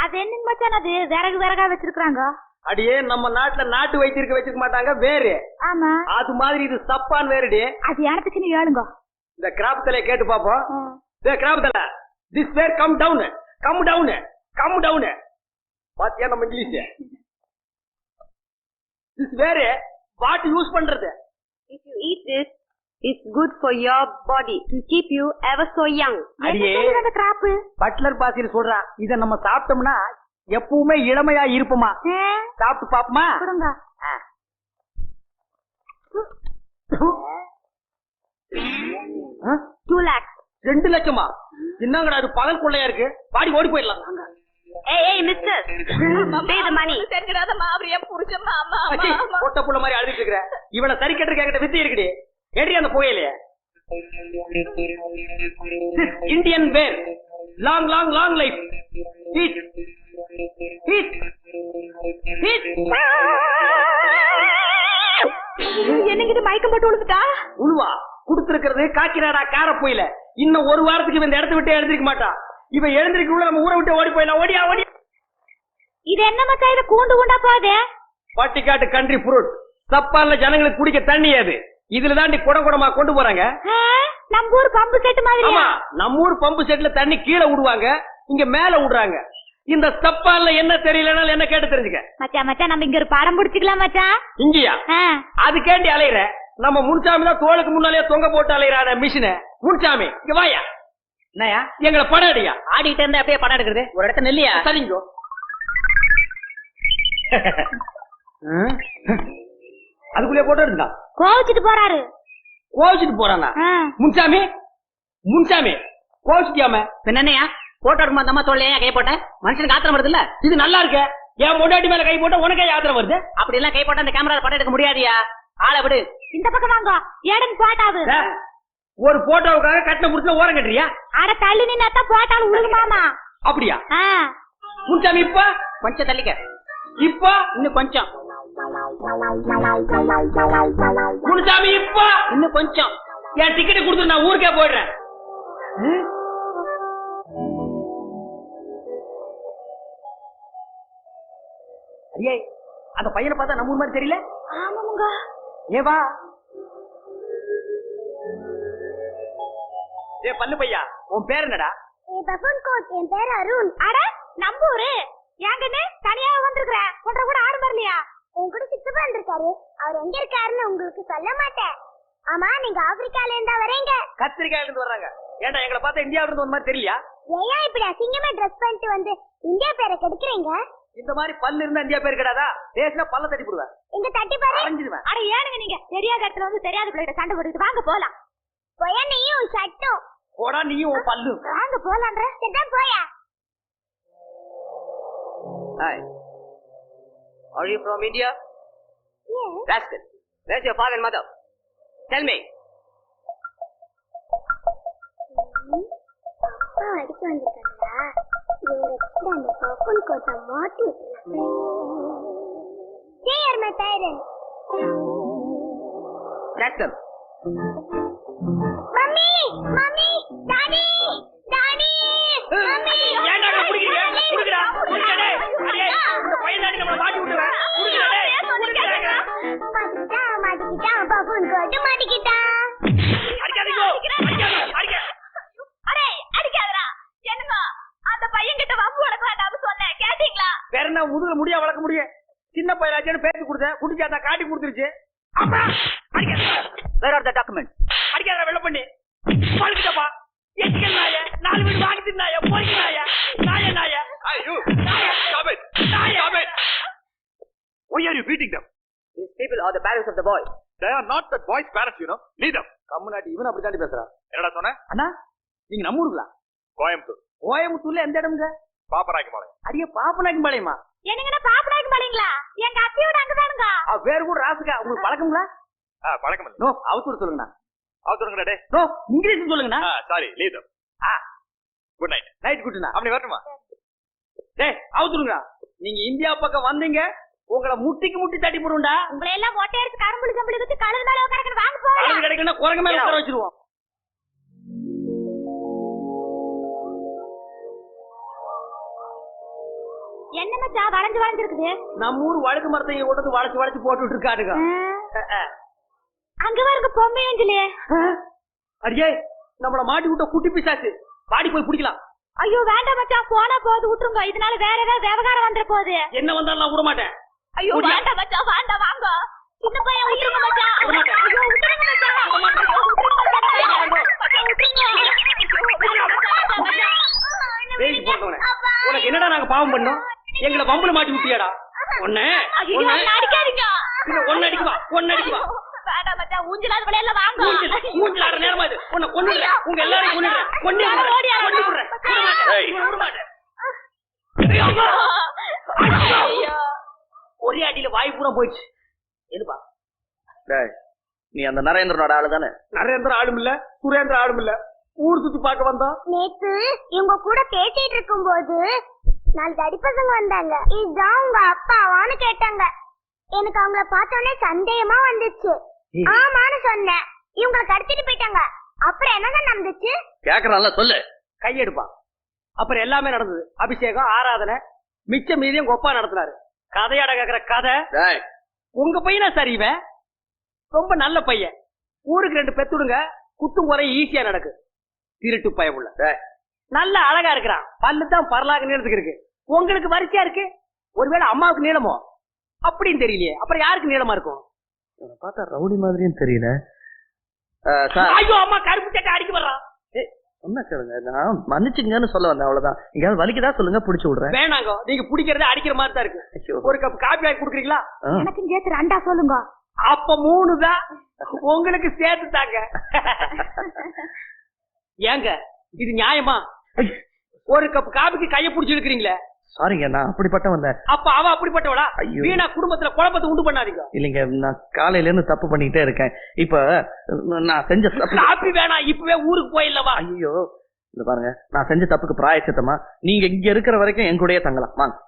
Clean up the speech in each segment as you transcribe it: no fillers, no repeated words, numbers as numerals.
அது என்ன மச்சான், அது விறகு விறகா வச்சிருக்காங்க. அடியே நம்ம நாட்டுல நாட்டு வைத்தியருக்கு வச்சிருக்க மாட்டாங்க வேறு. ஆமா, அது மாதிரி இது சப்பான் வேறுடி. அது யானத்துக்குன்னு ஏழுங்க. இந்த கிராப் தலை கேட்டு பாப்போம். கிராப் தலை, this where come down, come down, come down. பாத்தியா நம்ம English? This where what use பண்றது? If you eat this, it's good for your body to keep you ever so young. அடியே அந்த கிராப் பட்லர் பாசியில் சொல்றான், இத நம்ம சாப்பிட்டோம்னா எப்பவுமே இளமையா இருப்போமா. சாப்பிட்டு பாப்போமா? கொடுங்க. 2 lakhs. 2 லட்சமா? என்னங்கடா அது பகல் கொள்ளையா இருக்கு. பாடி ஓடி போயிடலாம். Hey, mister. Pay the money. சரிங்கடாதம்மா, அவர் என் புருஷன். மாமா பொட்ட புள்ள மாதிரி அழுதுட்டு இருக்கிற. இவனை சரி கட்டுற கேட்ட வித்தி இருக்குடி. ஏடி அந்த புகையிலையே. Indian wear, long long long life. Heat heat heat. என்னங்க இது, மயக்கம் போட்டு விழுந்துட்டா? உழுவா குடுத்திருக்கிறது காக்கினாடா கார போயில. இன்னும் ஒரு வாரத்துக்கு இந்த இடத்த விட்டு எழுந்திருக்க மாட்டான். இவன் எழுந்திருக்குள்ள நம்ம ஊரை விட்டு ஓடி போயிடலாம். ஓடியா ஓடி. இது என்ன மச்சான், இது கூண்டு கூண்டா போகுது? பட்டிக்காட்டு கண்ட்ரி ஃப்ரூட். சப்பான்ல ஜனங்களுக்கு குடிக்க தண்ணி அது. இதுல தாண்டி குடம் குடமா கொண்டு போறாங்க. நம்ம ஊர் பம்பு செட் மாதிரி. ஆமா, நம்ம ஊர் பம்பு செட்ல தண்ணி கீழே விடுவாங்க, இங்க மேல விடுறாங்க. இந்த சப்பான்ல என்ன தெரியலனால என்ன கேட்டு தெரிஞ்சுக்க. மச்சான் மச்சான், நம்ம இங்க ஒரு படம் பிடிச்சிக்கலாம் மச்சான். இங்கயா? அது கேண்டி அலையிற. நம்ம முன்சாமி தான் தோளுக்கு முன்னாலே தொங்க போட்டு அலையிறான மிஷின. முன்சாமி இங்க வாயா. என்னயா எங்களை படம் அடியா? ஆடிட்டு இருந்தா அப்படியே படம் எடுக்கிறது. ஒரு இடத்த நெல்லியா? சரிங்கோ. அதுக்குள்ளே போட்டோ எடுத்தா கோவிச்சிட்டு போறாரு. கோவிச்சிட்டு போறானா? முன்சாமி முன்சாமி கோவிச்சிட்டியாம என்னையா? போட்டோ எடுக்குமா அந்த அம்மா தோல்லையா கை போட்ட? மனுஷனுக்கு ஆத்திரம் வருது இல்ல? இது நல்லா இருக்கு. என் பொண்டாட்டி மேல கை போட்ட உனக்கே ஆத்திரம் வருது? அப்படி எல்லாம் கை போட்டா அந்த கேமரா படம் எடுக்க முடியாதியா. ஆளை விடு. இந்த பக்கம் வாங்க. ஏடன் போட்டாவு. ஒரு போட்டோவுக்காக கட்டின புடிச்சு ஓரம் கட்டுறியா? அட தள்ளி நின்னா போட்டாலும் உழுகுமாமா. அப்படியா? முன்சாமி இப்ப கொஞ்சம் தள்ளிக்க. இப்ப இன்னும் கொஞ்சம். முன்சாமி இப்ப இன்னும் கொஞ்சம். என் டிக்கெட் கொடுத்து நான் ஊருக்கே போயிடுறேன். ஐயே, அந்த பையனை பார்த்தா நம்ம ஊர் மாதிரி தெரியல? ஆமாங்க. ஏவா ஏ பல்லு பையா, உன் பேர் என்னடா? என் பேர் அருண். அட நம்பூரு. ஏங்கன்னு தனியா வந்திருக்கிற. ஒன்ற கூட ஆடு வரலையா? என் கூட சித்தப்பா வந்திருக்காரு. அவர் எங்க இருக்காருன்னு உங்களுக்கு சொல்ல மாட்டேன். ஆமா, நீங்க ஆப்பிரிக்கால இருந்தா வரீங்க? கத்திரிக்காயில இருந்து வர்றாங்க. ஏன்டா எங்களை பார்த்தா இந்தியாவில இருந்து வந்த மாதிரி தெரியலையா? ஏன் இப்படி அசிங்கமா ட்ரெஸ் பண்ணிட்டு வந்து இந்தியா பேரை கெடுக்குறீங்க? இந்த மாதிரி பல்லு இருந்தா இந்தியா பேர் கிடையாதா? பேசினா பல்ல தட்டி போடுவேன். எங்க தட்டி பாரு. அரைஞ்சிடுவேன். அட ஏனுங்க நீங்க தெரியாத இடத்துல வந்து தெரியாத பிள்ளைகிட்ட சண்டை போட்டுட்டு வாங்க போலாம். போயா நீயும் சட்டும். போடா நீயும் உன் பல்லு. வாங்க போலான்ற. சரி போயா. Hi. Are you from India? Yes. That's good. Where's your father and mother? Tell me. அப்பா அடிக்க வந்திருக்காங்களா? இவங்க அந்த பப்பன் கோட்டை மாட்டி விட்டுருக்காங்க. They are my parents. That's them. Mummy, mummy, daddy, daddy, mummy. ஏன்டா குடிக்கிறீங்க? குடிங்கடா. குடிங்கடா. அடே, இந்த பையன் தாடி நம்மள மாட்டி விட்டுறா. குடிங்கடா. குடிங்கடா. மாட்டிக்கிட்டா பப்பன் கோட்டை மாட்டிக்கிட்டா. அடிக்காதீங்க. அடிக்காத. அரே அடிக்காதடா. என்னங்க அந்த பையன் கிட்ட வம்பு வளக்க வேண்டாம்னு சொன்னேன், கேட்டீங்களா? வேற என்ன முதுகுல முடியா வளர்க்க முடியும்? சின்ன பையலாச்சேன்னு பேசி கொடுத்தேன். குடிச்சாதா காட்டி கொடுத்துருச்சு. அம்மா அடிக்காத. Where are the documents? அடிக்காத வெள்ள பண்ணி. பழுக்கிட்டப்பா. எச்சிக்கல் நாய. 4 வீடு வாங்கிட்டு நாய. போய்க்கு நாய. நாய நாய. Hey you. Stop it. Stop it. Why are you beating them? These people are the parents of the boy. They are not that boy's parents, you know. Leave them. கம்முனாட்டி இவன் அப்படி தாண்டி பேசுறான். என்னடா சொன்ன? அண்ணா நீங்க நம்ம ஊருங்களா? கோயம்புத்தூர். கோயம்புத்தூர்ல எந்த இடம்ங்க? பாப்பராய்க்குமாலை. அடியே பாப்பநாயக்கம்பாளையமா? என்னங்கடா பாப்பனாக்கு பாலீங்களா? எங்க அத்தையோட அங்கதானுங்க. வேற கூட ராசுக்கா உங்களுக்கு பழக்கங்களா? பழக்கம் இல்ல. நோ அவுத்தூர் சொல்லுங்கண்ணா. அவத்துறங்கடா டே. நோ இங்கிலீஷ் சொல்லுங்கண்ணா. Sorry leave them. Good night. Night குட்ண்ணா. அப்படி வரட்டுமா? டேய் அவுத்துருங்க. நீங்க இந்தியா பக்கம் வந்தீங்க, உங்களை முட்டிக்கு முட்டி தட்டி போடுண்டா. உங்களை எல்லாம் மொட்டை அடிச்சு கரும்புளி கம்பளி வச்சு கழுது மேல உட்காரக்கணும். வாங்க போலாம். கழுது கிடைக்கணும் குரங்கு மேல உட்கார வச்சிருவோம். என்ன மச்சான் வளைஞ்சு வளைஞ்சிருக்குது? நம்ம ஊர் வழுக்கு மரத்தை கொண்டு வளைச்சு வளைச்சு போட்டுட்டு இருக்காருங்க. அங்க பாருங்க பொம்மை ஏஞ்சலே. அடியே நம்மள மாட்டி விட்ட குட்டி பிசாசு, பாடி போய் பிடிக்கலாம். ஐயோ வேண்டாம் மச்சான், போனா போது விட்டுருங்க. இதனால வேற ஏதாவது விவகாரம் வந்துட போகுது. என்ன வந்தாலும் நான் விட மாட்டேன். ஐயோ வேண்டாம் மச்சான், வேண்டாம் வாங்க. சின்ன பையன் விட்டுருங்க மச்சான். ஐயோ விட்டுருங்க மச்சான். உனக்கு என்னடா நாங்க பாவம் பண்ணோம்? எங்களை பம்புல மாட்டி விட்டியாடா? ஒண்ணு அடிக்காதீங்க. ஒன்னு அடிக்குவா, ஒன்னு அடிக்குவா. வேண்டாம் மச்சான், ஊஞ்சலாத விளையாடல வாங்க. ஊஞ்சலாட நேரமா இது. உன்னை கொன்னுடுறேன், உங்க எல்லாரையும் கொன்னுடுறேன். ஒரே அடியில வாய் பூரா போயிடுச்சு. எதுப்பா? நீ அந்த நரேந்திரனோட ஆளு தானே? நரேந்திர ஆளும் இல்ல, சுரேந்திர ஆளும் இல்ல. ஊர் சுத்தி பார்க்க வந்தா. நேத்து இவங்க கூட பேசிட்டு இருக்கும்போது 4 தடிப்பசங்க வந்தாங்க. இதுதான் உங்க அப்பாவான்னு கேட்டாங்க. எனக்கு அவங்கள பார்த்தோன்னே சந்தேகமா வந்துச்சு. ஆமான்னு சொன்னேன். இவங்களை கடத்திட்டு போயிட்டாங்க. அப்புறம் என்னதான் நடந்துச்சு? கேக்குறான்ல சொல்லு. கையெடுப்பா. அப்புறம் எல்லாமே நடந்தது. அபிஷேகம், ஆராதனை, மிச்ச மீதியும் கொப்பா நடத்தினாரு. கதையாட கேக்குற கதை. உங்க பையனா சார் இவன்? ரொம்ப நல்ல பையன். ஊருக்கு 2 பெத்துடுங்க, குத்தும் குறை ஈஸியா நடக்கு. திருட்டு பயமுள்ள நல்ல அழகா இருக்கிறான். பல்லு தான் பரலாக நீளத்துக்கு இருக்கு. உங்களுக்கு வரிசையா இருக்கு. ஒருவேளை அம்மாவுக்கு நீளமோ அப்படின்னு தெரியலையே. அப்புறம் யாருக்கு நீளமா இருக்கும்? பார்த்தா ரவுடி மாதிரியும் தெரியல. ஐயோ அம்மா கருப்பு சட்டை அடிக்க வர்றான். என்ன கேளுங்க, நான் மன்னிச்சுங்கன்னு சொல்ல வந்தேன், அவ்வளவுதான். எங்கயாவது வலிக்குதா சொல்லுங்க, புடிச்சு விடுறேன். வேணாங்க, நீங்க பிடிக்கிறத அடிக்கிற மாதிரி தான் இருக்கு. ஒரு கப் காபி வாங்கி குடுக்குறீங்களா? எனக்கு சேர்த்து 2 சொல்லுங்க. அப்ப 3 தான் உங்களுக்கு சேர்த்து தாங்க. ஏங்க இது நியாயமா? ஒரு கப் காபிக்கு கைய புடிச்சு இழுக்கிறீங்களே. சாரிங்க, நான் அப்படிப்பட்டவன் இல்ல. அப்ப அவ அப்படிப்பட்டவளா? வீணா குடும்பத்துல குழப்பத்தை உண்டு பண்ணாதீங்க. இல்லைங்க, நான் காலையில இருந்து தப்பு பண்ணிக்கிட்டே இருக்கேன். இப்ப நான் செஞ்ச காபி வேணாம், இப்பவே ஊருக்கு போயிடலவா? ஐயோ இந்த பாருங்க, நான் செஞ்ச தப்புக்கு பிராயச்சித்தமா நீங்க இங்க இருக்கிற வரைக்கும் என் கூடயே தங்கலாம். வாங்க.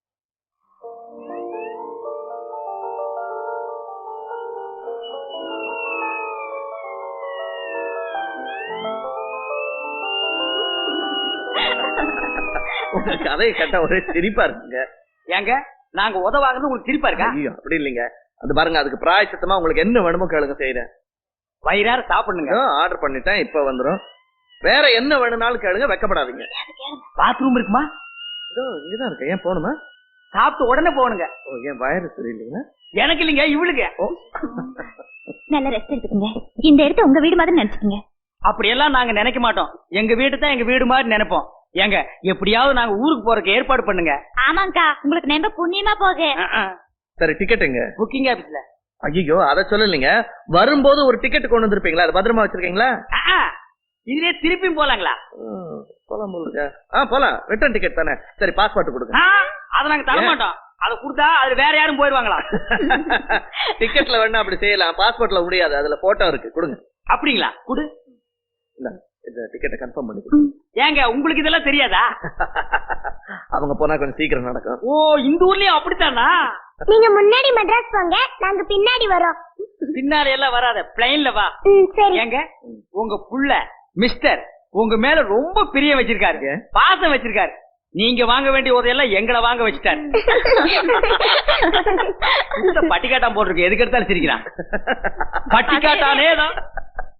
உங்க கதையை கேட்டா ஒரே சிரிப்பா இருக்குங்க. ஏங்க நாங்க உதவாங்கிறது உங்களுக்கு சிரிப்பா இருக்கா? ஐயோ அப்படி இல்லைங்க. அது பாருங்க, அதுக்கு பிராயச்சித்தமா உங்களுக்கு என்ன வேணுமோ கேளுங்க, செய்யறேன். வயிறார சாப்பிடுங்க. ஆர்டர் பண்ணிட்டேன், இப்ப வந்துரும். வேற என்ன வேணும்னாலும் கேளுங்க, வெக்கப்படாதீங்க. பாத்ரூம் இருக்குமா? இங்கதான் இருக்கு. ஏன் போகணுமா? சாப்பிட்டு உடனே போகணுங்க. ஏன் வயிறு சரியில்லைங்களா? எனக்கு இல்லைங்க, இவளுக்கு. நல்ல ரெஸ்ட் எடுத்துக்கங்க. இந்த இடத்த உங்க வீடு மாதிரி நினைச்சுக்கங்க. அப்படியெல்லாம் நாங்க நினைக்க மாட்டோம். எங்க வீடு தான் எங்க வீடு மாதிரி நினைப்போம். ஏங்க எப்படியாவது நாங்க ஊருக்கு போறதுக்கு ஏற்பாடு பண்ணுங்க. ஆமாங்கா, உங்களுக்கு நம்ப புண்ணியமா போகு. சரி, டிக்கெட்டுங்க. புக்கிங் ஆபீஸ்ல. ஐயோ அதை சொல்லலைங்க. வரும்போது ஒரு டிக்கெட் கொண்டு வந்திருப்பீங்களா? அது பத்திரமா வச்சிருக்கீங்களா? இதுலயே திருப்பியும் போலாங்களா? போலாம் போலுங்க. போலாம். ரிட்டர்ன் டிக்கெட் தானே. சரி, பாஸ்போர்ட் கொடுங்க. அதை நாங்க தர மாட்டோம். அதை கொடுத்தா அது வேற யாரும் போயிருவாங்களா? டிக்கெட்ல வேணா அப்படி செய்யலாம், பாஸ்போர்ட்ல முடியாது. அதுல போட்டோ இருக்கு, கொடுங்க. அப்படிங்களா? குடு. இந்த டிக்கெட்டை கன்ஃபார்ம் பண்ணி. ஏங்க உங்களுக்கு இதெல்லாம் தெரியாதா? அவங்க போனா கொஞ்சம் சீக்கிரம் நடக்கும். ஓ, இந்த ஊர்லயும் அப்படித்தானா? நீங்க முன்னாடி மெட்ராஸ் போங்க, நாங்க பின்னாடி வரோம். பின்னாடி எல்லாம் வராத, பிளைன்ல வா. சரி. ஏங்க உங்க புள்ள மிஸ்டர் உங்க மேல ரொம்ப பிரியம் வச்சிருக்காரு, பாசம் வச்சிருக்காரு. நீங்க வாங்க வேண்டிய உதவியெல்லாம் எங்களை வாங்க வச்சுட்டாரு. பட்டிக்காட்டான் போட்டிருக்கு, எதுக்கு எடுத்தாலும் சிரிக்கிறான். பட்டிக்காட்டானே தான்.